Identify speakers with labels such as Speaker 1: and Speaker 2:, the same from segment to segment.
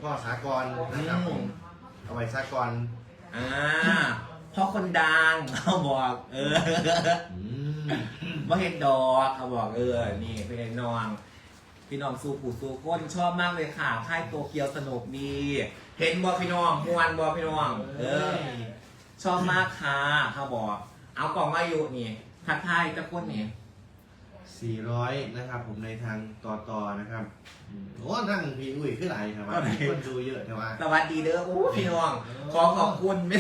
Speaker 1: พ่อสากรนะครับผมเอาไว้สากร
Speaker 2: พ่อคนดังเขาบอกว่าเห็นดอกเขาบอกนี่เป็นน้องพี่น้องสู้ผู้สู้ก้นชอบมากเลยค่ะค่ายโตเกียวสนุกดีเห็นบอพี่น้องมวนบอพี่น้องชอบมากค่ะเขาบอกเอากล่องมาอยู่นี่ทักทายตะก้นนี่
Speaker 1: 400นะครับผมในทางต่อนะครับโอ้ทั้งพี่อุ้ยขึ้นไหลครับว่าคนดูเยอะใช่ไหม
Speaker 2: สวัสดีเด้อโอ้พี่น้องขอบคุณแม่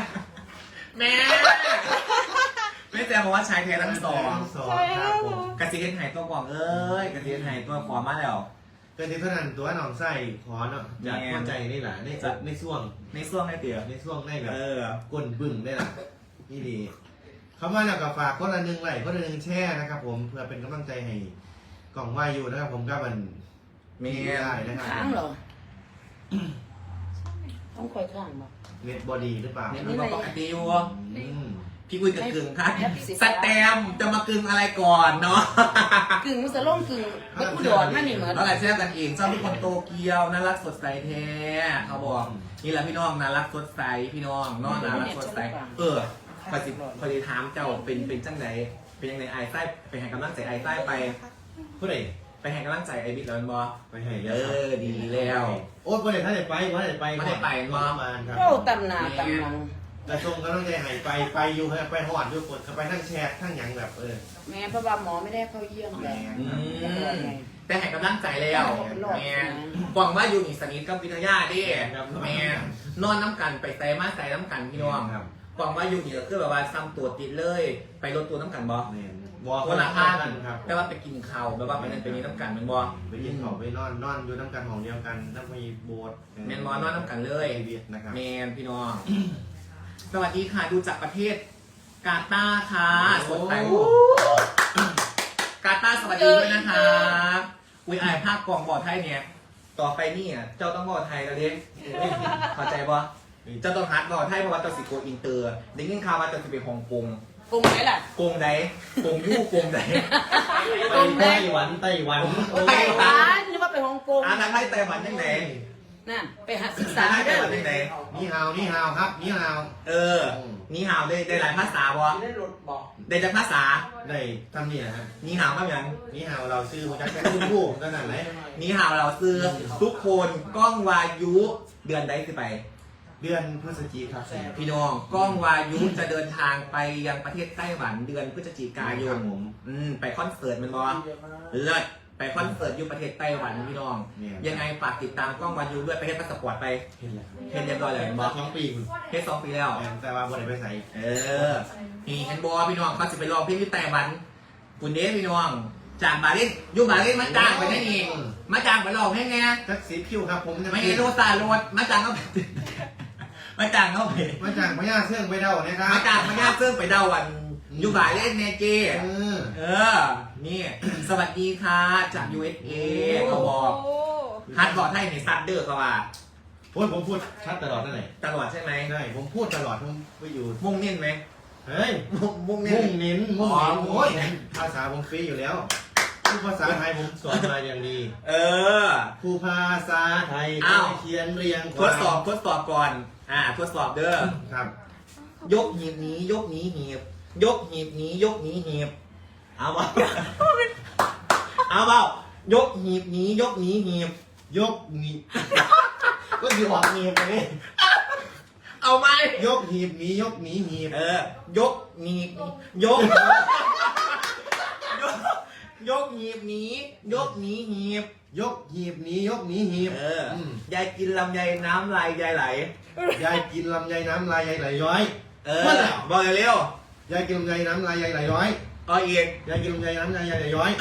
Speaker 2: ไม่แจ้งบอกว่าชายแท้ทั้งสอง
Speaker 1: ครับผม
Speaker 2: กระสีเห็นหายตัวกล่องกระสีเห็นหายตัวขอมาแล้ว
Speaker 1: กระสีเท่านั้นตัวหนองไส้ขอเนาะจากหัวใจนี่แหละในช่วง
Speaker 2: ได้เตี๋ย
Speaker 1: ในช่วงได้แบบก้นบึ้งได้แหละนี่ดีเขามาแล้วกับฝากคนละ1 ไลค์คนละ1 แชร์นะครับผมเพื่อเป็นกำลังใจให้กล่องวายูนะครับผมก็มัน
Speaker 2: มี
Speaker 1: ได้นะครับ
Speaker 3: ข้างเหรอต้องคอยข้างบ่
Speaker 1: เน็ตบอดีหรือเปล่า
Speaker 2: เน็ตมันปกติอยู่พี่คุยกับกึ่งค่ะสแตมจะมากึ่งอะไรก่อนเนาะ
Speaker 3: กึ่งมุสล่งกึ่งไม่พูดดอดนั่นนี่เหมือน
Speaker 2: แล้วอะไรแชร์กันเองชอบทุกคนโตเกียวน่ารักสดใสแท้เขาบอกนี่แหละพี่น้องน่ารักสดใสพี่น้องน่ารักสดใสพอดีถามเจ้าเป็นจังไหนเป็นยังไงไอ้ใต้ไปแห่งกำลังใจไอ้ใต้ไป
Speaker 1: ผู้ใด
Speaker 2: ไปแห่งกำลังใจไอ้บิ๊กแล้วบอ
Speaker 1: ไปให้
Speaker 2: ดีแล้ว
Speaker 1: โอ้ยผู้ใดถ้าได้ไปผู้ใดไป
Speaker 2: ไม่ได้ไป
Speaker 1: มา
Speaker 3: ครับเราตำนาตำนัง
Speaker 1: แต่ทรงก็ต้องใจหายไปอยู่ไปหอดอยู่กดไปทั้งแชร์ทั้งอย่างแบบ
Speaker 3: แม่เพราะว่าหมอไม่ได้เข้าเยี่ยมเลย
Speaker 2: แต่แห่งกำลังใจแล้วแม่หวังว่าอยู่อีกสนิทกับวิทยาดิแม่นอนน้ำกันไปไต่มาไต่น้ำกันพี่น้องหวังว่าอยู่นี่ก็คือแบบว่าซ้ำตัวติดเลยไปลดตัวน้ำกันบอคนละข้างแต่ว่าไปกินข้าวแบบว่าไปนั่นไปนี้น้ำกันมันบอ
Speaker 1: ไปกินข้าวไปนอนอยู่น้ำกันของเดียวกันน้ำมีโบส
Speaker 2: แมนบอนอนน้ำกันเลยแมนพี่น้องสวัสดีค่ะดูจากประเทศกาตาร์ค่ะสดใสกาตาร์สวัสดีด้วยนะคะอุ้ยไอภาคกองบอไทยเนี่ยต่อไปนี่เจ้าต้องบอไทยแล้วเด้เข้าใจปะเจ้าต้องฮัดบอไทยเพราะว่าเจ้าสิโกอินเตอร์ได้ยินข่าวว่าเจ้าสิไปฮ่องกง
Speaker 3: กงไหนล่ะ
Speaker 2: กงไหนกงยู่กงไหน
Speaker 1: ไต้หวัน
Speaker 3: หรือว่าไปฮ่องกง
Speaker 2: ทางไทยไต้หวันยังไง
Speaker 3: นั่นไปหาศึกษา
Speaker 2: ไต้หวันยังไง
Speaker 1: นี่ฮาวครับนี่ฮาว
Speaker 2: นี่ฮาวได้หลายภาษาบ่ได้จากภาษา
Speaker 1: ได้ทำนี่ฮะ
Speaker 2: นี่ฮาวมาอย่าง
Speaker 1: นี่ฮาวเราซื้อมาจากแค่คู่ขนาดไหน
Speaker 2: นี่ฮาวเราซื้อทุกคนก้องวายุเดือนใดคือไป
Speaker 1: เดือนพฤศจิกายน
Speaker 2: พี่น้องก้องวายุจะเดินทางไปยังประเทศไต้หวันเดือนพฤศจิกายนไปคอนเสิร์ตมันบอเลิศไปคอนเสิร์ตอยู่ประเทศไต้หวันพี่น้องยังไงฝากติดตามก้องวายุด้วยไปเฮ็ดพาสปอร์ตไปเฮ็ดเรียบร้อยเลยบอ
Speaker 1: 2 ปี
Speaker 2: เฮ็ด2 ปีแล้ว
Speaker 1: แต่ว่าบ่ได้ไปใส่
Speaker 2: นี่เห็นบอพี่น้องเขาจะไปรอเพลงที่ไต้หวันคุณเด้พี่น้องจากบาลินอยู่บาลินมาจ้างไปนั่นเองมาจ้างไปลองให้ไง
Speaker 1: จักสีผิวครับผม
Speaker 2: ไม่โรซาโรดมาจ้างเขามาจ้างเขาไป
Speaker 1: มาจ้างพญาเสื่องไปเดาเนี่ยครับ
Speaker 2: มาจ้างพญาเสื่องไปเดาวันอยู่บ่ายเล่นเนเจนี่สวัสดีค่ะจาก USA เขาบอกฮัทบอกให้ในซัดเดอร์เขาว่า
Speaker 1: ผมพูดชัดตลอดนั่นแหละ
Speaker 2: ตลอดใช่ไหม
Speaker 1: ใช่ผมพูดตลอดผมไปอยู่
Speaker 2: มุ่งเน้นไหม
Speaker 1: เฮ้ย
Speaker 2: มุ่งเน้
Speaker 1: นโอ้ยภาษาผมฟรีอยู่แล้วผู้ภาษาไทยผมสอนมาอย่างดีผู้ภาษาไทยเขียนเรียง
Speaker 2: ทดสอบก่อนทดสอบเด้อ
Speaker 1: ครับ
Speaker 2: ยกหีบนี้ยกนี้หีบยกหีบนี้ยกนี้หีบเอาเปล่ายกหีบนี้ยกนี้หีบ
Speaker 1: ยกนี้ก็อยู่ออกหีบไปนี่
Speaker 2: เอาไหม
Speaker 1: ยกหีบนี้ยกนี้หีบ
Speaker 2: ยกหีบยกหีบนี้ยกนี้หีบ
Speaker 1: ยกหีบนี้ยกนี้หีบ
Speaker 2: ยายกินลำไยน้ำลายยายไหล
Speaker 1: ยายกินลำไยน้ำลายยายไหลย้อย
Speaker 2: บอกเร็
Speaker 1: วยายกินลำไยน้ำลายยายไหลย้อย
Speaker 2: อีก
Speaker 1: ยายกินลำไยน้ำลายยายไหลย้อย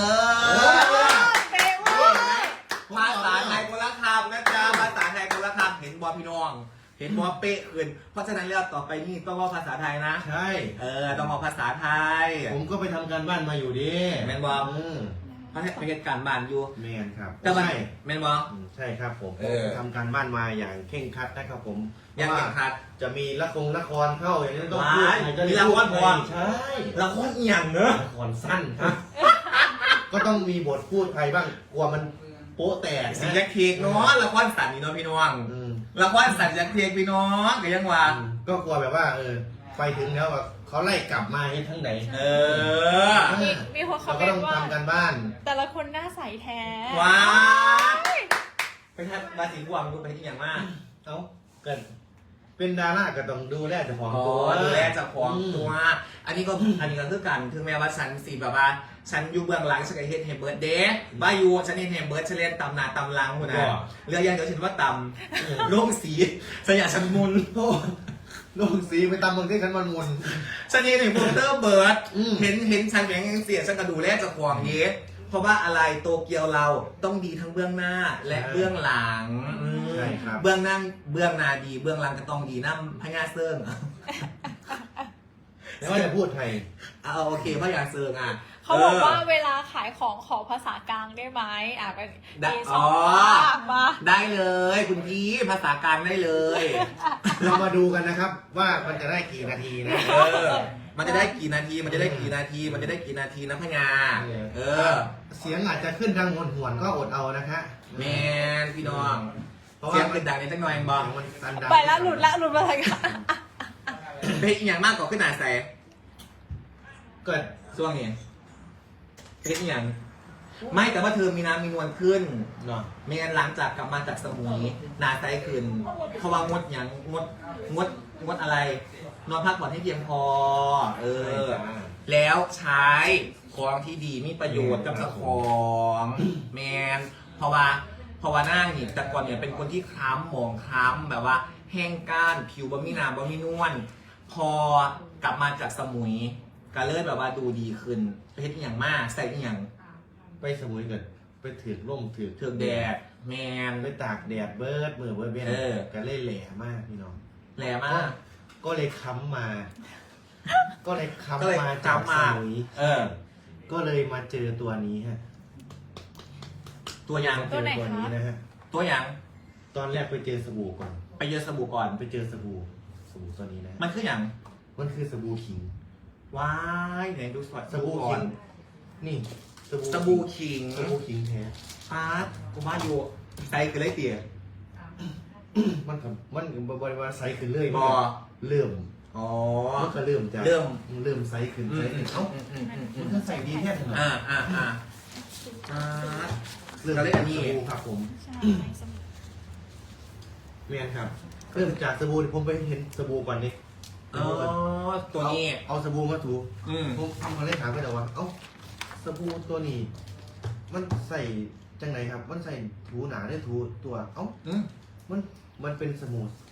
Speaker 2: ภาษาไทยคนละคำนะจ๊ะภาษาไทยคนละคำเห็นบอพี่น้องเห็นบอเป๊ะขึ้นเพราะฉะนั้นเรื่องต่อไปนี่ต้องว่าภาษาไทยนะ
Speaker 1: ใช่
Speaker 2: ต้องเอาภาษาไทย
Speaker 1: ผมก็ไปทำการบ้านมาอยู่ดิ
Speaker 2: แมนบอพระเทศการบ้านอยู่
Speaker 1: แมนครับ
Speaker 2: ใช่แมนบอ
Speaker 1: ใช่ครับผมทำการบ้านมาอย่างเข่งคัดนะครับผม
Speaker 2: อย่างเข่งคัด
Speaker 1: จะมีละครเข้าอย่างนี้ต้องพูด
Speaker 2: มีละครพอ
Speaker 1: ใช่
Speaker 2: ละครเอียงเนอะ
Speaker 1: ละครสั้นครับก็ต้องมีบทพูดไทยบ้างกลัวมันโป๊ะแตก
Speaker 2: สียักษ์เค้กเนาะละครสันนี่เนาะพี่น้อง
Speaker 1: อืม
Speaker 2: ละครสันยักษ์เค้กพี่น้องก็ยังว่า
Speaker 1: ก็กลัวแบบว่า ไปถึงแล้วแบบเขาไล่กลับมาให้ทั้งไหน
Speaker 2: เออ
Speaker 4: มีคน
Speaker 1: เรา
Speaker 4: คอมเม
Speaker 1: ก็
Speaker 4: น
Speaker 1: ต้อง
Speaker 4: ต์ว่า
Speaker 1: ทำกันบ้าน
Speaker 4: แต่ละคนหน้าใสแท้
Speaker 2: ว้าวไปทัดราศีกวางดูไปที่อย่างมาก
Speaker 1: เอ้าเกิดเป็นดาราก็ต้องดูแลเจ้าของ
Speaker 2: อ๋อ
Speaker 1: ตัว
Speaker 2: ดูแลเจากของตัว อันนี้ก็คือกันถึงแม้ว่าฉันสีแบบว่าฉันอยู่เบื้องหลังฉันก็เฮ็ดให้เบิร์ดเดย์บ้าอยู่ฉันเฮ็ดให้เบิร์ดฉันเล่นตำหนาตำลังคนน่ะเรื่องอย่างเดียวฉันว่าตำโล่งสีฉันอยากฉันมุน
Speaker 1: โอ้ลงสีไปตามเมืองที่ขันมันมุน
Speaker 2: ฉันเห็นโปสเตอร์เบิร์ด
Speaker 1: อืม
Speaker 2: เห็นฉันอย่างเสียฉันก็ดูแลเจากของเยสเพราะว่าอะไรโตเกียวเราต้องดีทั้งเบื้องหน้าและเบื้องหลัง
Speaker 1: ใช่ครับ
Speaker 2: เบื้องหน้าดีเบื้องหลังก็ต้องดีน้ำพญาเซิง
Speaker 1: แล้วว่าจะพูดไทย
Speaker 2: เอาโอเคพญาเซิงอ่ะ
Speaker 4: เขาบอกว่าเวลาขายของขอภาษากลางได้ไหมก็
Speaker 2: ได้
Speaker 4: มีส
Speaker 2: อ๋
Speaker 4: อ
Speaker 2: อ
Speaker 4: งมา
Speaker 2: ได้เลยคุณพี่ภาษากลางได้เลย
Speaker 1: เรามาดูกันนะครับ ว่ามันจะได้กี่นาทีนะ
Speaker 2: เออ มันจะได้กี่นาทีมันจะได้กี่นาทีมันจะได้กี่นาทีนะพญาเออ
Speaker 1: เสียงอาจจะขึ้นทางหวนๆก็อดเอานะคะ
Speaker 2: แมนพี่น้อง
Speaker 1: เพราะ
Speaker 2: เสีย
Speaker 1: ว่าง
Speaker 2: เป็นดังในจังหน่อยบอ
Speaker 1: มันตันดัง
Speaker 4: ไปแล้วหลุดมาทางกัน
Speaker 2: เพลงอย่างมากกว่าขึ้นหนาแส
Speaker 1: เกิด
Speaker 2: ช่วงนี้เพลงอย่างไม่แต่ว่าเธอมีน้ำมีนวลขึ้น
Speaker 1: เนาะ
Speaker 2: ไม่งั้นหลังจากกลับมาจากสมุยหนาไซขึ้นเพราะว่างดอย่างงดอะไร นอนพักผ่อนให้เพียงพอ เออ แล้วใช้ของที่ดีมีประโยชน์กับเจ้าของแมนเพราะว่านั่งนี่แต่ก่อนเนี่ยเป็นคนที่คล้ำหมองคล้ำแบบว่า แห้งก้านผิวบ่มีน้ำบ่มีนวลพอกลับมาจากสมุยก็เลยแบบว่าดูดีขึ้นไปเฮ็ดอหย่างมากใส่อหย่าง
Speaker 1: ไปสมุยเกิดไปถือร่มถือ
Speaker 2: เถือกแดดแมน
Speaker 1: ไปตากแดดเบิร์ดมือเบิร์ดเบี้ย
Speaker 2: เออ
Speaker 1: ก็เลยแหล่มากพี่น้อง
Speaker 2: แหลมาก
Speaker 1: ก็เลยค้ำมา ก็เลย
Speaker 2: ก็เลย
Speaker 1: ค้ำมาจาก
Speaker 2: ค้ำ
Speaker 1: ส
Speaker 2: มา
Speaker 1: มุย
Speaker 2: เออ
Speaker 1: ก็เลยมาเจอตัวนี้ฮะ
Speaker 2: ตัวอย่าง
Speaker 1: เจอตัวนี้นะฮะ
Speaker 2: ตัวอย่าง
Speaker 1: ตอนแรกไปเจอสบู่ก่อน
Speaker 2: ไปเยอะสบู่ก่อน
Speaker 1: ไปเจอสบู่ตัวนี้นะฮะ
Speaker 2: มันคืออย่าง
Speaker 1: มันคือสบู่ขิง
Speaker 2: ว้ายไหนดูสด
Speaker 1: สบู่
Speaker 2: ก่อ
Speaker 1: ขิ
Speaker 2: น
Speaker 1: งนี่
Speaker 2: สบู่ขิง
Speaker 1: สบู่ขิงแท้
Speaker 2: ปาร์ตกูว่าอยู่ใส่คือไรเตี๋ย
Speaker 1: มันกัมันบริวารไซส์ขึ้นเรื่อย
Speaker 2: บ่
Speaker 1: เริ่ม
Speaker 2: อ๋อ
Speaker 1: มันก็เริ่มจาก
Speaker 2: เริ่ม
Speaker 1: ไซส์ขึ้นไซส์ขึ้นเอ้า
Speaker 2: อืม
Speaker 1: มันก็ใส่ดีแค่ไหน
Speaker 2: อ่าปาร์ต
Speaker 1: เริ่ม
Speaker 2: ก็เลย
Speaker 1: จาก
Speaker 2: อันนี้
Speaker 1: สบู่ครับผม
Speaker 4: ใช่สมุด
Speaker 1: เมียนครับ เริ่มจากสบู่ผมไปเห็นสบู่ก่อนดิ
Speaker 2: อ๋อตัวนี้
Speaker 1: เอาสบู่มาถู
Speaker 2: อืม
Speaker 1: ผมเลยถามไปแต่ว่าเอ้าสบู่ตัวนี้ มันใส่จังไหนครับ มันใส่ถูหนาได้ถูตัวเอ้า
Speaker 2: อืม
Speaker 1: มันเป็นส